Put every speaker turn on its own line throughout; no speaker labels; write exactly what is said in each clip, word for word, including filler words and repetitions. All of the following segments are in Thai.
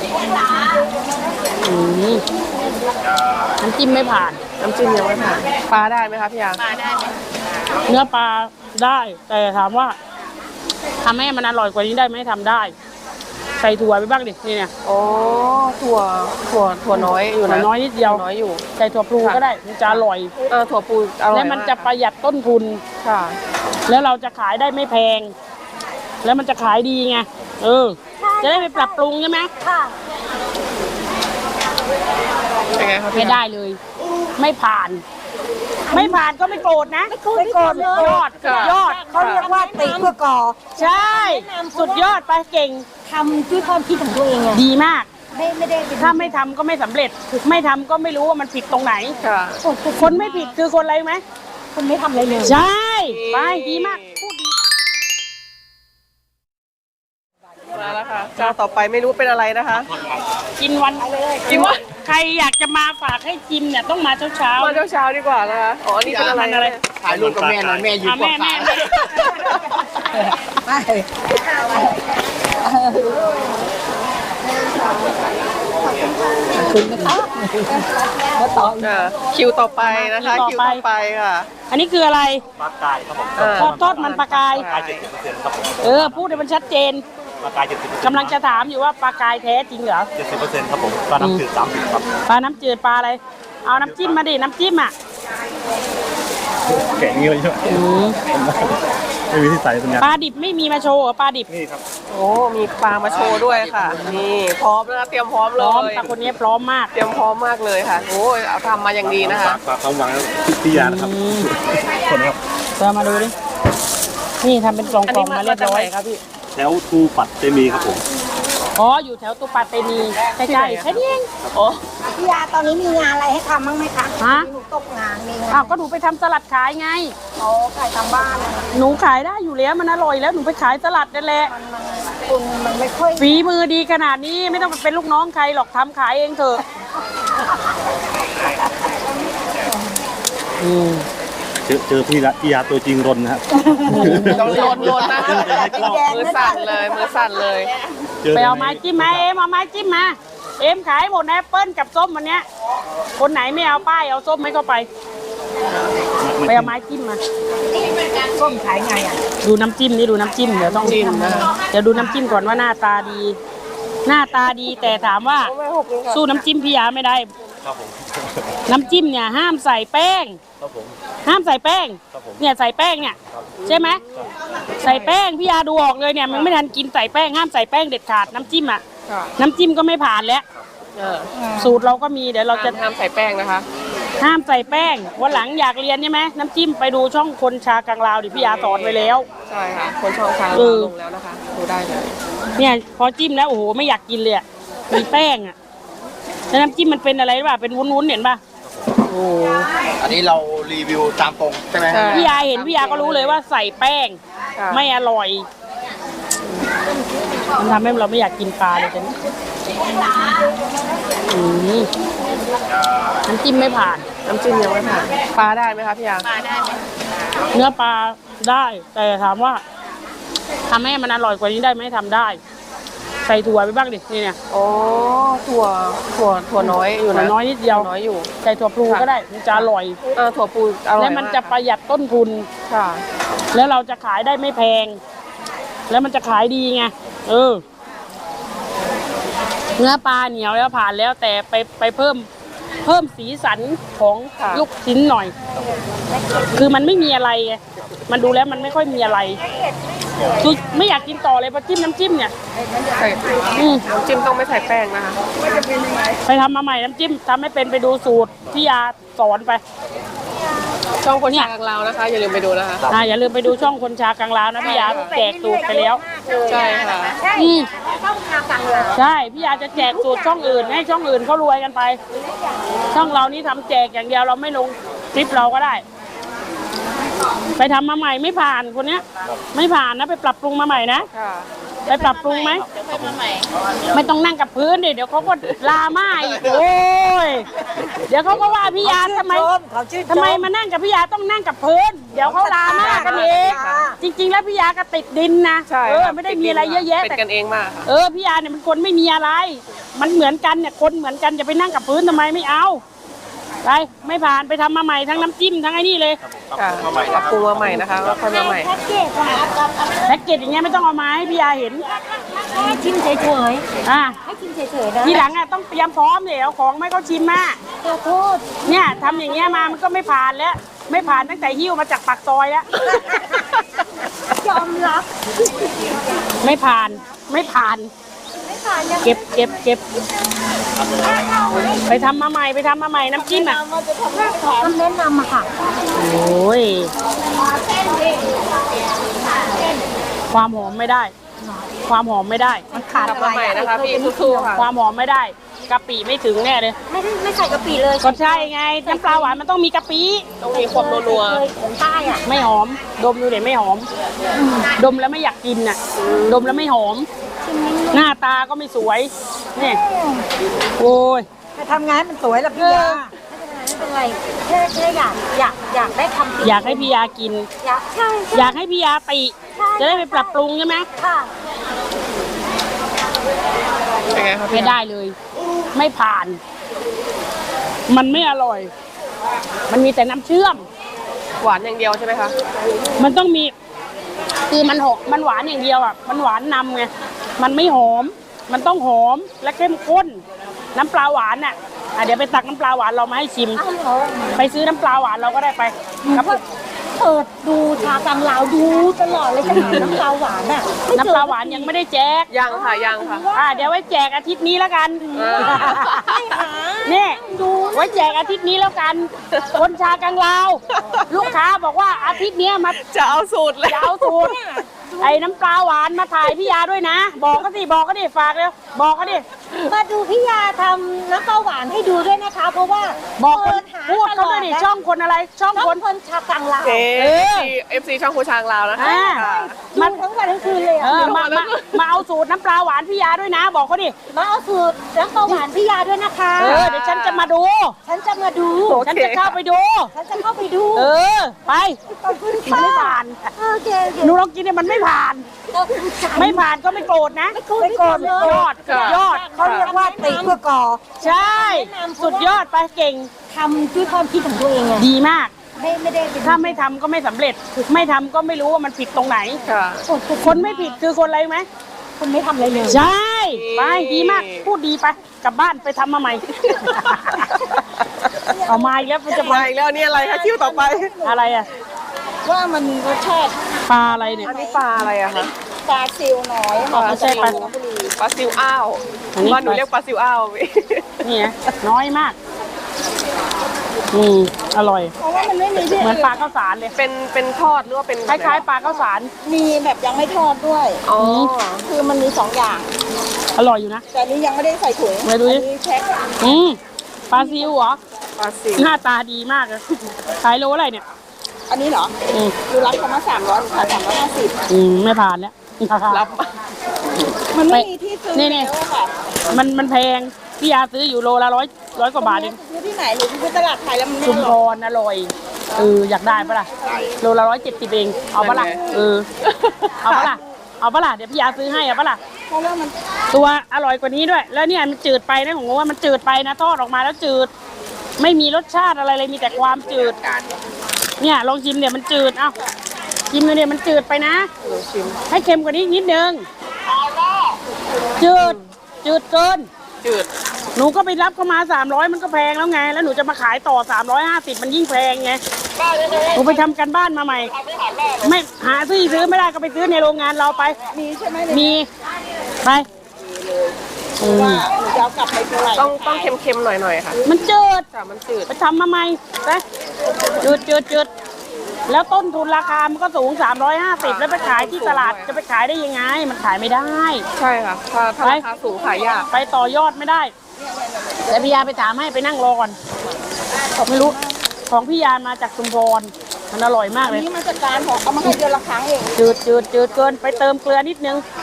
อืมน้ำจิ้มไม่ผ่าน
น้ำจิ้มยังไม่ผ่านปลาได้ไหมคะพี่ยาปลาได้ไหม
เนื้อปลาได้แต่ถามว่าทำให้มันอร่อยกว่านี้ได้ไหมทำได้ใส่ถั่วไปบ้างดินี่เนี่ย
อ๋อถั่วถั่วถั่วน้อยอยู่นะ
น้อยนิดเดียว
น้อยอยู่
ใส่ถั่วพลูก็ได้มันจะอร่อย
เออถั่วพลูอร่อย
แล้วมันจะประหยัดต้นทุน
ค่ะ
แล้วเราจะขายได้ไม่แพงแล้วมันจะขายดีไงเออจะได้ไปปรับปรุงใช่ไหมค่ะ
เป็นไงครับ
ไม่ได้เลยไม่ผ่านไม่ผ่านก็ไม่โกรธนะ
ไม่โกรธยอด
ยอดยอด
เขาเรียกว่าติเพื่อก่อ
ใช่สุดยอดไปเก่ง
ทำด้วยความคิดของตัวเองไง
ดีมาก
ไม่ไม่ได้
ถ้าไม่ทำก็ไม่สำเร็จไม่ทำก็ไม่รู้ว่ามันผิดตรงไหนคนไม่ผิดคือคนอะไรไหม
คนไม่ทำอะไรเลย
ใช่ไปดีมากพูดดี
มาแล้วค่ะเจ้าต่อไปไม่รู้เป็นอะไรนะคะ
กินวันกินว่าใครอยากจะมาฝากให้ชิมเนี่ยต้องมาเช้าเช้า
มาเช้าเช้าดีกว่านะคะอ๋อนี่เป็นอะไรอะไร
ถ่ายรูปกับแม่หน่อยแม่ยืนกดขา
ไม่คุณนะคะมาต่อ
คิวต่อไปนะคะคิวต่อไปค่ะ
อันนี้คืออะไร
ปลากายครับผม
ทอดทอดมันปลากาย
ปลากายเจ็ดสิบเปอร์เซ็นต์ครับผม
เออพูดให้มันชัดเจน
ปลากายเจ็ดสิบ
กำลังจะถามอยู่ว่าปลากายแท้จริงเหรอ
เจ็ดสิบเปอร์เซ็นต์ครับผมปลาน้ำจืดสามสิบครับ
ปลาน้ำจืดปลาอะไรเอาน้ำจิ้มมาดิน้ำจิ้มอ่ะ
แข็งเยอะใช่ไหมไม่มีที่ใส่ปัญญา
ปลาดิบไม่มีมาโชว์ปลาดิบ
นี่ครับ
โอ้มีปลามาโชว์ด้วยค่ะนี่พร้อมนะคะเตรียมพร้อมเลยพร้อม
แต่คนนี้พร้อมมาก
เตรียมพร้อมมากเลยค่ะโอ้ยเอาทำมาอย่างดีนะคะ
ปลาคำวางที่ยานะครับคนครับ
เรามาดูดินี่ทำเป็นกล่องๆมาเรียบร้อย
ครับพี่
แถวทูปัดเตมีครับผม
อ๋ออยู่แถวตุปัตเตนีใกล้ๆแค่นี้เอง
โอ้
พี่ยาตอนนี้มีงานอะไรให้ทำบ้างไหมคะ
ฮะ
หนูตกงานมีงาน
อ้าวก็หนูไปทำสลัดขายไง
อ๋อขายตามบ้าน
หนูขายได้อยู่แล้วมันอร่อยแล้วหนูไปขายสลัดนั่นแหละ
คุณมันไม่ค่อย
ฝีมือดีขนาดนี้ไม่ต้องเป็นลูกน้องใครหรอกทำขายเองเถอะอืม
เจอเจอพี่ละพี่ยาตัวจริงรนนะครับ
ต้องรนรนนะมือสั่นเลยมือสั่นเลย
ไปเอาไม้จิ้มมาเอ็มเอาไม้จิ้มมาเอ็มขายหมดแอปเปิ้ลกับส้มวันเนี้ยคนไหนไม่เอาป้ายเอาส้มไม่เข้าไปไปเอาไม้จิ้มมา
ส้มขายไงอ่ะ
ดูน้ำจิ้มนี่ดูน้ำจิ้มเดี๋ยวต้อง
จิ้มนะ
เดี๋ยวดูน้ำจิ้มก่อนว่าหน้าตาดี หน้าตาดีแต่ถามว่าสู้น้ำจิ้มพี่ยาไม่ได้น้ำจิ้มเนี่ยห้ามใส่แป้งห้ามใส่แป้งเนี่ยใส่แป้งเนี่ยใช่ไหมใส่แป้งพี่ยาดูออกเลยเนี่ยมันไม่ทันกินใส่แป้งห้ามใส่แป้งเด็ดขาดน้ำจิ้มอ่ะน้ำจิ้มก็ไม่ผ่านแล้วสูตรเราก็มีเดี๋ยวเราจะ
ห้ามใส่แป้งนะคะ
ห้ามใส่แป้งวันหลังอยากเรียนใช่ไหมน้ำจิ้มไปดูช่องคนชากลางลาวดิพี่ยาสอนไว้แล้ว
ใช่ค่ะคนช่องชาลงแล้วนะคะดูได้เลย
เนี่ยพอจิ้มแล้วโอ้โหไม่อยากกินเลยมีแป้งอ่ะแล้วน้ำจิ้มมันเป็นอะไรป่ะเป็นวุ้นๆเห็นป่ะโอ้
อันนี้เรารีวิวตามตรงใช่ไหม
พี่ยาเห็นพี่ยาก็รู้เลยว่าใส่แป้งไม่อร่อยมันทำให้เราไม่อยากกินปลาเลยจ้ะน้ำจิ้มไม่ผ่าน
น้ำจิ้มยังไม่ผ่านปลาได้ไหมคะพี่ยาปลาได้ไหม
เนื้อปลาได้แต่ถามว่าทำให้มันอร่อยกว่านี้ได้ไหมทำได้ใส่ถั่วไปบ้างดินี่เนี่ย
อ๋อถั่วถั่วถั่วน้อยอยู่นะ
น้อยนิดเดียว
น้อยอยู่
ใส่ถั่วพลูก็ได้มันจะอร่อย
เออถั่วพลูอร่อย
แล้วมันจะประหยัดต้นทุน
ค่ะ
แล้วเราจะขายได้ไม่แพงแล้วมันจะขายดีไงเออเนื้อปลาเหนียวแล้วผ่านแล้วแต่ไปไปเพิ่มเพิ่มสีสันของลูกชิ้นหน่อยคือมันไม่มีอะไรไงมันดูแล้วมันไม่ค่อยมีอะไรคือไม่อยากกินต่อเลยพอจิ้มน้ำจิ้มเนี่ย
น้ำจิ้มต้องไม่ใส่แป้งนะคะ
ไปทำมาใหม่น้ำจิ้มทำให้เป็นไปดูสูตรที่ยาสอนไป
ช่องคนชากลางลาวนะคะอย่าลืมไปดูนะคะ
อ่าอย่าลืมไปดูช่องคนชากลางลาวนะพี่ยาแจกสูตรไปแล้ว
ใช่ค่ะ
อืมใช่พี่ยาจะแจกสูตรช่องอื่นให้ช่องอื่นเขารวยกันไปช่องเรานี่ทำแจกอย่างเดียวเราไม่ลงคลิปเราก็ได้ไปทำมาใหม่ไม่ผ่านคนเนี้ยไม่ผ่านนะไปปรับปรุงมาใหม่นะไปปรับปรุงไหมไม่ต้องนั่งกับพื้นดิเดี๋ยวเขาก็ลาม่าอีกโอ้ยเดี๋ยวเขาก็ว่าพี่ยาทำไมทำไมมานั่งกับพี่ยาต้องนั่งกับพื้นเดี๋ยวเขาลาม่ากันเองจริง ๆ แล้วพี่ยาก็ติดดินนะ
ใช่
เออไม่ได้มีอะไรเยอะแยะ
เป็น
แต่
กันเองมากค่ะ
เออพี่ยาเนี่ยมันคนไม่มีอะไร มันเหมือนกันเนี่ยคนเหมือนกันจะไปนั่งกับพื้นทำไมไม่เอาไปไม่ผ่านไปทำมาใหม่ทั้งน้ำจิ้มทั้งไอ้นี่เลย
ค่ะปรับปรุงมาใหม่นะคะแล้วค่อยมาใหม่
แพ็กเกจอะ
แพ็กเกจอย่างเงี้ยไม่ต้องเอามาให้พี่ยาเห็น
ให้ชิมเฉย
อ่ะ
ๆให้ชิมเฉยๆนะ
ทีหลังอ่ะต้องเตรียมพร้อมเดี๋ยวของไม่เขาชิมมา
ขอโทษ
เนี่ยทำอย่างเงี้ยมามันก็ไม่ผ่านแล้วไม่ผ่านตั้งแต่หิ้วมาจากปากซอยแล้ว
ยอมรับ
ไม่ผ่านไม่ผ่าน
ไม่ผ่านยัง
เก็บเก็บเก็บไปทำมาใหม่ไปทำมาใหม่น้ำจิ้มอ่ะ
แถมแนะนำอะค่ะ
โอ้ยความหอมไม่ได้ ความหอมไม่ได้
มันขาด
กลับ
อะไร
มาใหม่นะคะพี่สู้ๆค่ะ
ความหอมไม่ได้กะปิไม่ถึงแน่เลย
ไม่ได้ไม่ใส่กะปิเลย
ก็ใช่ไงน้ำปลาหวานมันต้องมีกะปิ
ต้องมีความนัว
เคยของใต้อะ
ไม่หอม ดมดูเดี๋ยวไม่หอม ดมแล้วไม่อยากกินน่ะ ดมแล้วไม่หอม
ชิมนิดนึง
หน้าตาก็ไม่สวยนี่โอ้ย
จะทำงานมันสวยละพี่ยาไม่เป็นไรแค่แค่อยากอยากอยากได้คำติ
อยากให้พี่ยากิน
อยากใช่ใช่
อยากให้พี่ยาติ
ใช่
จะได้ไปปรับปรุงใช่ไหม
ค่ะ
ๆเป็นไงคะ
ไม่
พี่
ได้เลย ไม่ผ่าน มันไม่อร่อย มันมีแต่น้ำเชื่อม
หวานอย่างเดียวใช่ไหมคะ
มันต้องมี คือมันหอมมันหวานอย่างเดียวอ่ะ มันหวานนำไง มันไม่หอม มันต้องหอมและเข้มข้น น้ำปลาหวานอ่ะอ่ะเดี๋ยวไปตักน้ำปลาหวานเรามาให้ชิม
อ้าวเหรอ
ไปซื้อน้ำปลาหวานเราก็ได้ไปครับ
ก็เปิดดูชากังลาวดูตลอดเลยจะหาน้ำปลาหวานอ่ะไม่เจอ
น้ำปลาหวานยังไม่ได้แจก
ยังค่ะยังค่ะ
อ่ะเดี๋ยวไว้แจกอาทิตย์นี้แล้วกัน
อ่า
ไม่หา
นี่ไว้แจกอาทิตย์นี้แล้วกัน คนชากังลาว ลูกค้าบอกว่าอาทิตย์เนี้ยมา
จะเอาสูตรเลย
จะเอาสูตร ไอ้น้ำปลาหวานมาถ่ายพี่ยาด้วยนะ บอกก็ดิบอกก็ดิฝากเร็วบอกก็ดิ
มาดูพี่ยาทำน้ำปลาหวานให้ดูด้วยนะคะ เพราะว่า
บอกคน
เปิห
พูดเขาด้วยดิ
ตล
ช่องคนอะไร ช่อง
ช่อง
คน
คนชากังลาว
เอ
เออ
เอฟซีช่องคูชางลาวนะคะ
อ่า
ค่ะ
ดูทั้งวันทั้งคืนเลย
เอ
อ่ะ
อมามามาเอาสูตรน้ำปลาหวานพี่ยาด้วยนะ บอกเขาดิ
มาเอาสูตรน้ำปลาหวานพี่ยาด้วยนะคะ
เออเดี๋ยวฉันจะมาดู
ฉันจะมาดู
โอเค
ฉันจะเข้าไปดู
ฉันจะเข้าไปดู
เออ ไป
ขอบคุณ
กินไม่ผ่าน
โอเคโอเค
หนูลองกินเนี่ยมันไม่ผ่าน
ขอบคุณค่ะ
ไม่ผ่านก็ไม่โกรธนะ
ไม่โกรธไม่โกรธเลย
ยอดยอด
เขาเรียกว่าติเพื่อก่อ
ใช่ สุดยอดไปเก่ง
ทำด้วยความคิดของตัวเองไง
ดีมาก
ไม่ไม่ได้เป็น
ถ้าไม่ทำก็ไม่สำเร็จ ไม่ทำก็ไม่รู้ว่ามันผิดตรงไหน
ค่ะ
คนไม่ผิดคือคนอะไรไหม
คนไม่ทำอะไรเลย
ใช่ ไปดีมาก พูดดีไป กลับบ้านไปทำมาใหม่ เอามาอีกแล้วมันจะ
มา
มา
อีกแล้วนี่อะไรคะคิวต่อไป
อะไรอ่ะ
ว่ามันรสชาติ
ปลาอะไรเนี่ย
อันนี้ปลาอะไรอะคะ
ปลาซิลน้อย
อ๋อไม่ใช่ปลา
ปลาซิวอ้าว
อันนี้
บ้านหนูเรียกปลาซิวอ้าวพี่
นี่ไงน้อยมาก อืมอร่อย
เพราะว่ามันไม่มีที่
เหมือนปลาข้าวสารเลย
เป็นเป็นทอดหรือว่าเป็น
คล้ายๆปลาข้าวสาร
มีแบบยังไม่ทอดด้วย
อ๋อ
คือมันมีสองอย่าง
อร่อยอยู่นะ
แต่อันนี้ยังไม่ได้ใส่ถุง
มาดูดิ
อันนี้แพ็ค
อืมปลาซิวเหรอ
ปลาซิว
หน้าตาดีมากเลยขายโลอะไรเนี่ย
อันนี้เหรอ
อืม
ดูรับเขามาสามร้อยขายสามร้อยห้าสิบ
อืมไม่ผ่านแล้ว
รับมา
มันไม่มีที่ซื้อ
นี่นี่
แล้วอะค่ะ
มันมันแพงพี่ยาซื้ออยู่โลละร้อยร้อยกว่าบาทเอง
ซื้อที่ไหนหรือซื้อตลาดไทยแล้วมันไม่
ชุม
อ
พ
ร่อย
รอร่อยเอออยากได้ปะล่ะโลละร้อยเจ็ดสิบเองเอาปะล่ะเออเอาปะล่ะเอาปะล่ะเดี๋ยวพี่ยาซื้อให้เอาปะล่ะ
เพราะว่ามัน
ตัวอร่อยกว่านี้ด้วย แล้วเนี่ยมันจืดไปนะผมว่ามันจืดไปนะทอดออกมาแล้วจืด ไม่มีรสชาติอะไรเลยมีแต่ความจืด เนี่ยลองชิมเนี่ยมันจืดเอ้าชิมเลยเนี่ยมันจืดไปนะ
หนูชิม
ให้เค็มกว่านี้อีกนิดนึงจืดจืดเกิน
จืด
หนูก็ไปรับเข้ามาสามร้อยมันก็แพงแล้วไง แล้วหนูจะมาขายต่อสามร้อยห้าสิบมันยิ่งแพงไงหนูไปทำกันบ้านมาใหม่ ไม่หาซื้อซื้อไม่ได้ก็ไปซื้อในโรงงานเราไป
มีใช่ไหม
มีไปอืม
ว่าหนูจะเอากลับไปเท่าไหร่
ต้องต้องเค็มๆหน่อยๆค่ะ
มันจืด
ค่ะมันจืด
ไปทำมาใหม่ไปจืดจืดจืดแล้วต้นทุนราคามันก็สูงสามร้อยห้าสิบแล้วไปขายที่ตลาดจะไปขายได้ยังไง มันขายไม่ได้
ใช่ค่ะ ถ้าถ้า
ไป
ราคาสูงขายยาก
ไปต่อยอดไม่ได้แต่พี่ยาไปถามให้ไปนั่งรอก่อนผมไม่รู้ ของพี่ยามาจากชุมพรมันอร่อยมาก
อัน
เลย
นี้มาจากการของเอามาให้เดือนละครั้งเอง
จืดจืดจืดเกินไปเติมเกลือนิดนึง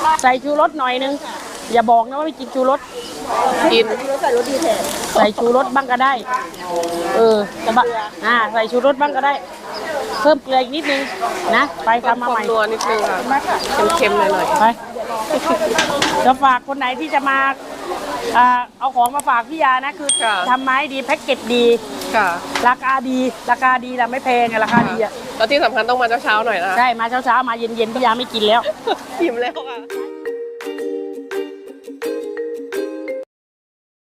ใส่ชูรสหน่อยนึงอย่าบอกนะว่าไม่กินชูรส
กิน
ใส่ชูรสบ้างก็ได้ เออจะบะอ่าใส่ชูรสบ้างก็ได้ เพิ่มเกลืออีกนิดนึงนะไปทำมาใหม่
นัวนิดนึงค่ะเค็มๆหน่อย
ไปจะฝากคนไหนที่จะมาอ่าเอาของมาฝากพี่ยานะคือทำไม้ดีแพ็กเกจดี
ๆค่ะ
ราคาดีราคาดีแหละไม่แพงอะราคาดีอะ
แล้วที่สำคัญต้องมาเช้าๆหน่อยนะ
ใช่มาเช้าๆมาเย็นๆพี่ยาไม่กินแล้ว
อิ่มแล้วค่ะ